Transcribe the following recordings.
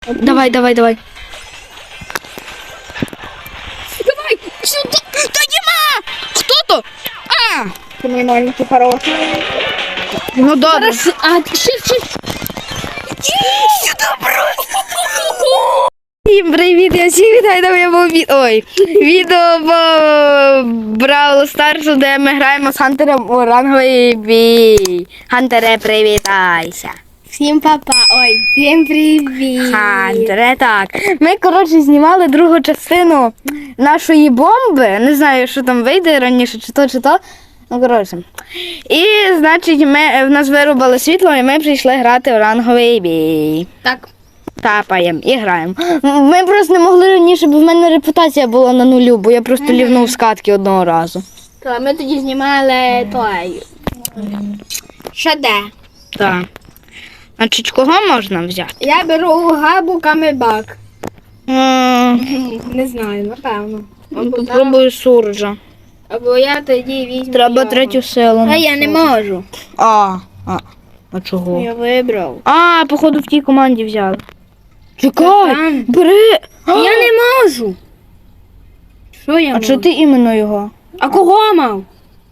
Давай. Давай, сюди. Та Діма! Хто то? А! Ти нормально, ти хороший. Ну добре. А, ще. Сюди просто. Всім привіт, я всіх вітаю на моєму відео по Бравл Старсу, де ми граємо з Хантером у ранговий бій. Хантере, привітайся. Всім папа, всім привіт. Хантере, так. Ми, коротше, знімали другу частину нашої бомби. Не знаю, що там вийде раніше, чи то. Ну, коротше. І, значить, в нас вирубали світло, і ми прийшли грати у ранговий бій. Так. Тапаємо і граємо. Ми просто не могли раніше, бо в мене репутація була на нулю, бо я просто лівнув з катки одного разу. То ми тоді знімали той. Що де? Так. Значить, кого можна взяти? Я беру Габу Камебак. Не знаю, напевно. Попробую Сурджа. Або я тоді візьму. Треба його. третю силу. А я не можу. А чого? Я вибрав. Походу в тій команді взяли. Та Чекай, там. бери. Я не можу. Що я А можу? чого ти іменно його? А кого мав?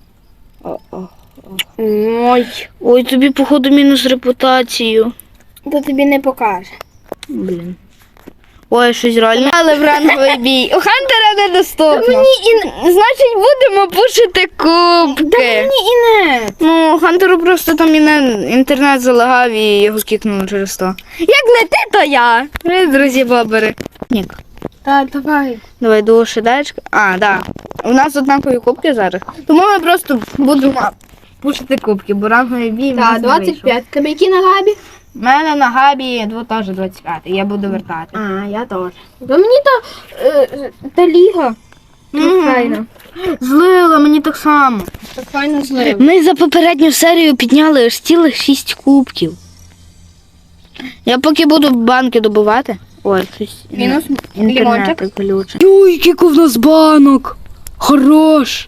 Ой. Тобі, походу, мінус репутацію. То тобі не покаже. Блін. Щось реально. Але в ранговий бій. У Хантера недоступно. Значить, будемо пушити кубки. Мені і не. Ну, Хантеру просто там інтернет залагав і його кікнули через то. Як не ти, то я. Привіт, друзі, бобери. Нік. Так, давай. Давай до шедечка. Да. У нас однакові кубки зараз. Тому ми просто будемо пушити кубки, бо ранговий бій. Так, 25. Тебе які на Габі? У мене на Габі теж 25. Я буду вертати. Я теж. То мені та ліга. Файно. Злила, мені так само. Так файно злив. Ми за попередню серію підняли аж цілих 6 кубків. Я поки буду банки добувати. Щось. Мінус Інтернет лімончик. глючить. Ой, скільки в нас банок! Хорош!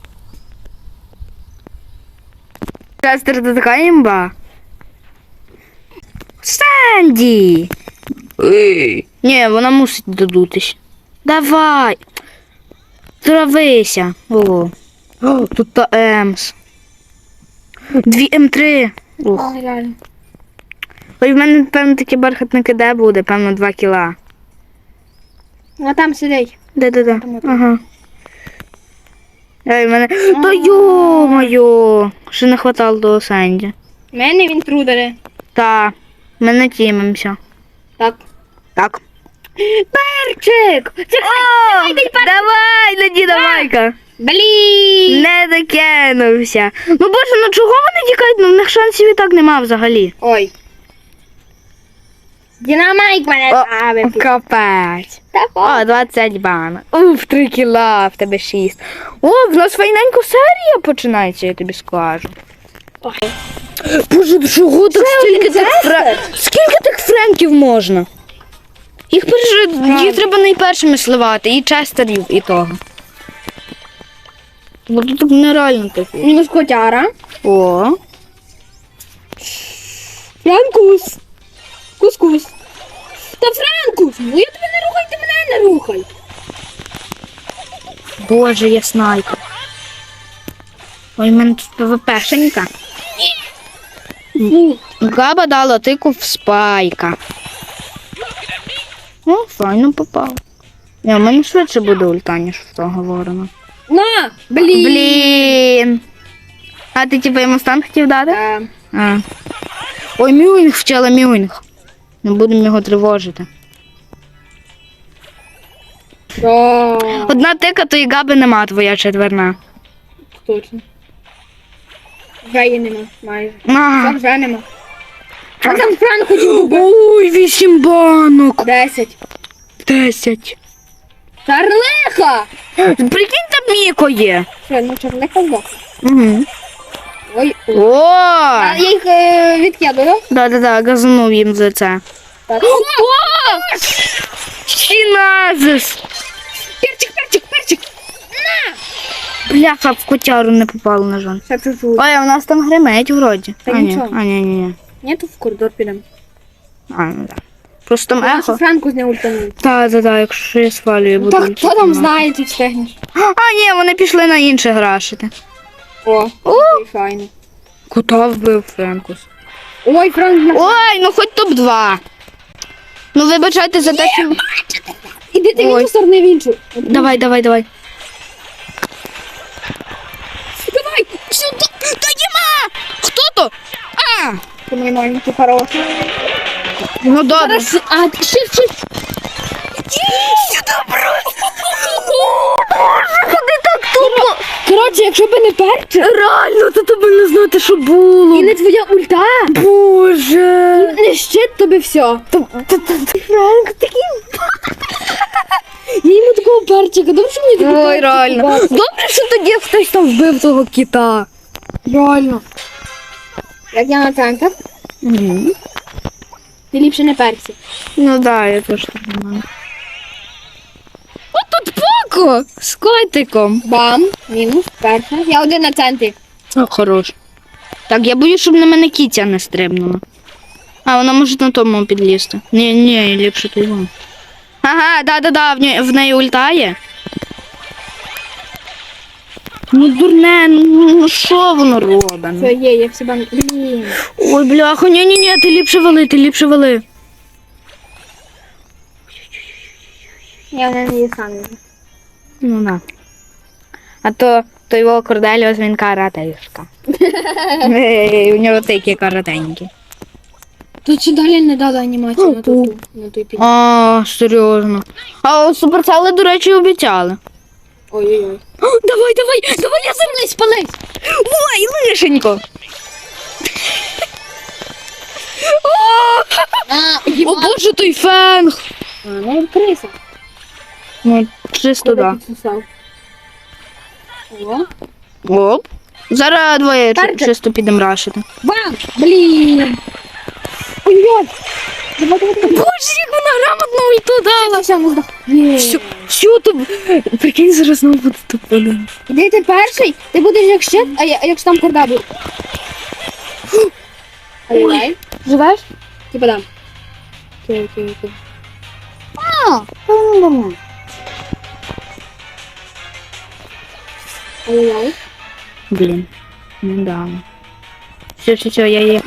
Честер, це така імба. Санді! Ні, вона мусить додутись. Давай! Травися! Тут та Емс. 2 М3. Ух. Реально. В мене, певно, таке бархатне КД буде, певно, 2 кіла. А там сидить. Де. Ага. В мене... Та йо-моє! Ще не хватало до Сенді. У мене він трудери. Та, ми не тімимося. Так. Перчик! Давай, леді, давай-ка! Блін! Не докинувся. Ну, боже, чого вони тікають? В них шансів і так нема взагалі. Ой. Динамайк мене ставив. Капець. Так. 20 банок. 3 кіла, в тебе 6. В нас файненько серія починається, я тобі скажу. Ой. Боже, чого так скільки тих френків можна? Їх треба найпершими сливати, і честерів, і того. Бо тут так нереально таке. Мінус котяра. Франкус. Кускус. Та Франкус! Ну я тебе не рухай, ти мене не рухай. Боже, я снайпер. В мене тут ПВПшенька. Габа дала тику в спайка. Файно попав. У мене швидше буде ульта, ніж в того ворона. На! Блін! А ти типу йому стан хотів дати? Так. Ой, Мюінг вчила Мюінг. Не будемо його тривожити. Одна тика, то і Габи нема, твоя четверна. Точно. Вже її нема, майже. Ага. Вже нема. А там Франк хотів. Ой, 8 банок. 10. 10. Чарлиха! Прикинь, там Міко є. Що, ну чарлиха здох. Угу. Ой. О! А я їх відкидаю. Да, газанув їм за це. Так. Чиназис! Перчик! Бляха, в котяру не попало, на жаль. Ще чуть-чуть. Ой, а у нас там гримить вроді. Та нічого. Ні. Ні, тут в коридор підемо. Ну да. Просто там Нашу ехо. Франку з не ультанув. Так, якщо я свалюю, буду. Так, хто там знає, чи встигнеш? А, ні, вони пішли на інше грашити. О, файно. Кота вбив Френкус. Ой, Франк, Ой, ну хоч топ-2. Ну вибачайте за те, що... іди ти в Ой. іншу сторону, в іншу. Давай. Давай. Сюди. Та нема! Хто то? А! Ти мій маленький хороший. Ну добре. Зараз, а, shift. Сюди просто. Куди так тупо? Коротше, якщо б не перче, Реально, то тебе не знати, що було. і не твоя ульта, Боже. не щит тобі все. Франк такий. Я йому такого перчика, добре, що мені такого Ой, перчика реально. дати? Добре, що тоді хтось там вбив того кіта. Реально. Як я на центр, ти ліпше не перці. Ну да, я теж так думаю. От тут Поко з котиком. Бам, мінус, перша. Я один на центрі. О, хорош. Так, я боюсь, щоб на мене кітя не стрибнула. А, вона може на тому підлізти. Ні, ліпше то його. Ага, да, в неї ульта є. Ну, дурне, ну що воно робить? Все, є, я всі бам. Блін. Ой, бляха, ні, ти ліпше вали. Я не її сам. Ну, на. А то його Корделіус, він каратешка. У нього такі каратенькі. Тут ще далі не дали анімацію на той під. А, серйозно. А от суперцели, до речі, обіцяли. Ой-ой-ой. Давай, я землись, пались. Ой, лишенько. О, боже, той фенг. А, ну криса. Ну, чисто да. Підсосав. О. Оп. Зараз двоє Перчик. чисто підемо рашити. Бам! Блін! Ой-ой! Давай. Боже, як вона грамотно ульту дала. Все, не здох. Що там? Прикинь, зараз знову буде топ-1. Іди ти перший, ти будеш як щит, а якщо там корда буде. Ой. Живеш? Типа дам. Окей. Ой-ой. Блін. Ну да. Все, я є.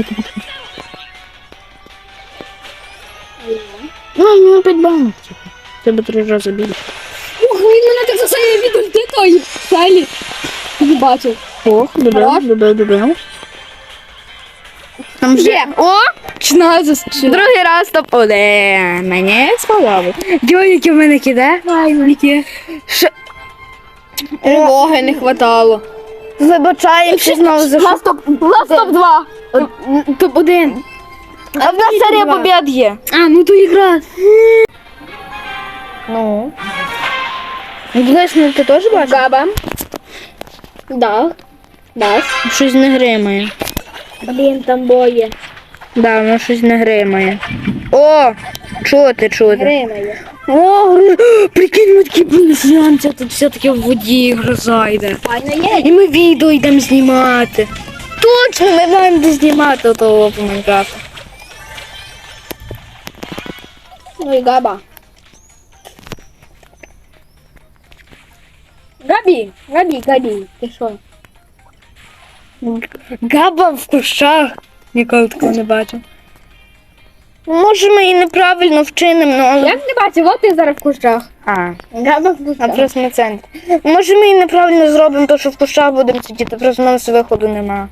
Ну, 5 балів. Тебе 3 рази більше. Ух, він мене так засає від ульти тої. Салі. Не бачив. Ох, Хорош. добив. Там вже... Є. О! 16. Другий раз топ-1. Мені сподобалось. Дьо, які в мене киде? Які? Уваги не хватало. Вибачаємося знову за Ласт топ-2. топ-1. А в нас серія два. побід є. А, ну то ігра. Ну. Знаєш, ти теж бачиш? Габа. Да. Дас. Щось не гримає. Блін, там боє. Да, воно щось не гримає. О! Чути. Гримає. О, прикинь, ми такі близянці, тут все-таки в воді гроза йде. Файно є. І ми відео йдемо знімати. Точно, ми маємо де знімати того по Майнкрафту. Ну і Габа. Габі. Ти що? Габа в кущах. Ніколи такого не бачив. Може, ми і неправильно вчинимо, але... Як не бачив, от ти зараз в кущах. А, Габа в а кущах. просто на центрі. Може, ми і неправильно зробимо, то що в кущах будемо сидіти, просто в нас виходу нема.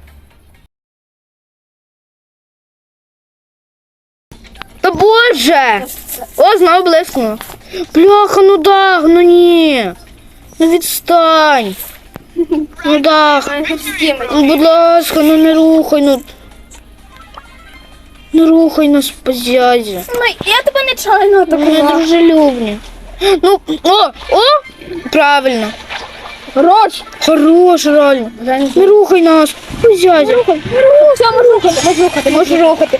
Та боже! О, знову блискнуло. Бляха, ну дах, ну ні. Ну відстань. Ну дах. Ну, будь ласка, ну не рухай, ну. Не рухай нас по зязі. Я тебе нечайно Ми дружелюбні. Ну, о, правильно. Хорош, реально. Не рухай нас, по зязі. Все, можу рухати.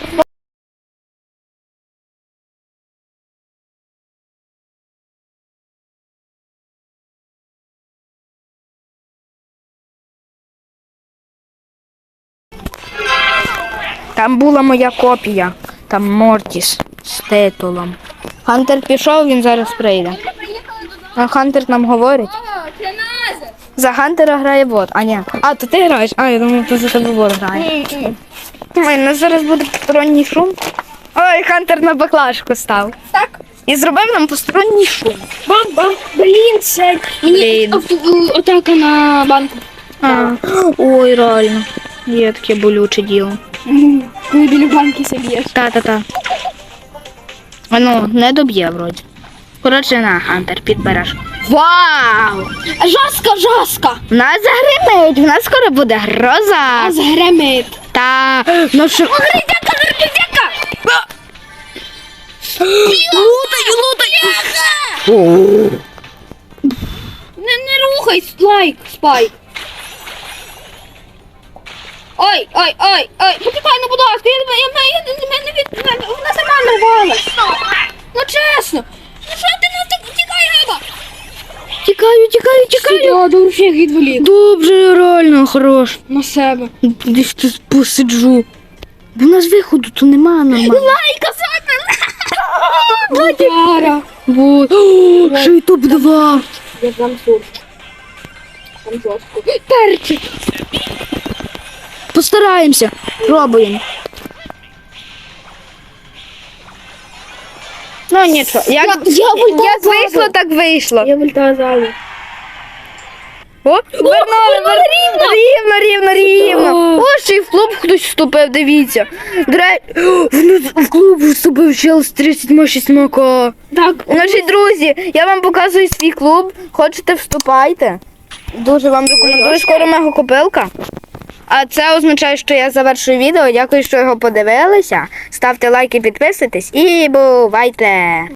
Там була моя копія, там Мортіс. З титулом. Хантер пішов, він зараз прийде. А Хантер нам говорить. За Хантера грає бот. А, ні. А, то ти граєш? А, я думав, то за тебе бот грає. Ой, у нас зараз буде посторонній шум. Ой, Хантер на баклажку став. Так. І зробив нам посторонній шум. Бам-бам. Блін, це. Мені Блін. атака на банку. А, ой, реально. Є таке болюче діло. Коли біля банки соб'єш. Та-та-та. А ну, не доб'є вроді. Коротше, на, Хантер, підбереш. Вау! Жорстко. В нас загримить, в нас скоро буде гроза. А згремить. Та, ну що... Гридяка. Лутай! Не рухай, спайк. Ой. Почекай, ну, будь ласка, вона сама нарвалась. Ну, чесно. Ну, що ти нас так тікай, Габа? Тікаю. Добре, всіх відволік. Добре, реально, хорош. На себе. Десь тут посиджу. Бо у нас виходу то нема нормально. Лайка, Бодяра. Вот. О, ще й топ-2. Я дам сурч. Там жорстко. Перчик. Постараємося. Пробуємо. Ну нічого. Як вийшло, так вийшло. Я вольта залу. О, вернули. Рівно. О, ще й в клуб хтось вступив, дивіться. В клуб вступив чел з 36 к. Так. Наші друзі, я вам показую свій клуб. Хочете, вступайте. Дуже вам рекомендую. Скоро мегакопилка. А це означає, що я завершую відео. Дякую, що його подивилися. Ставте лайки, підписуйтесь і бувайте!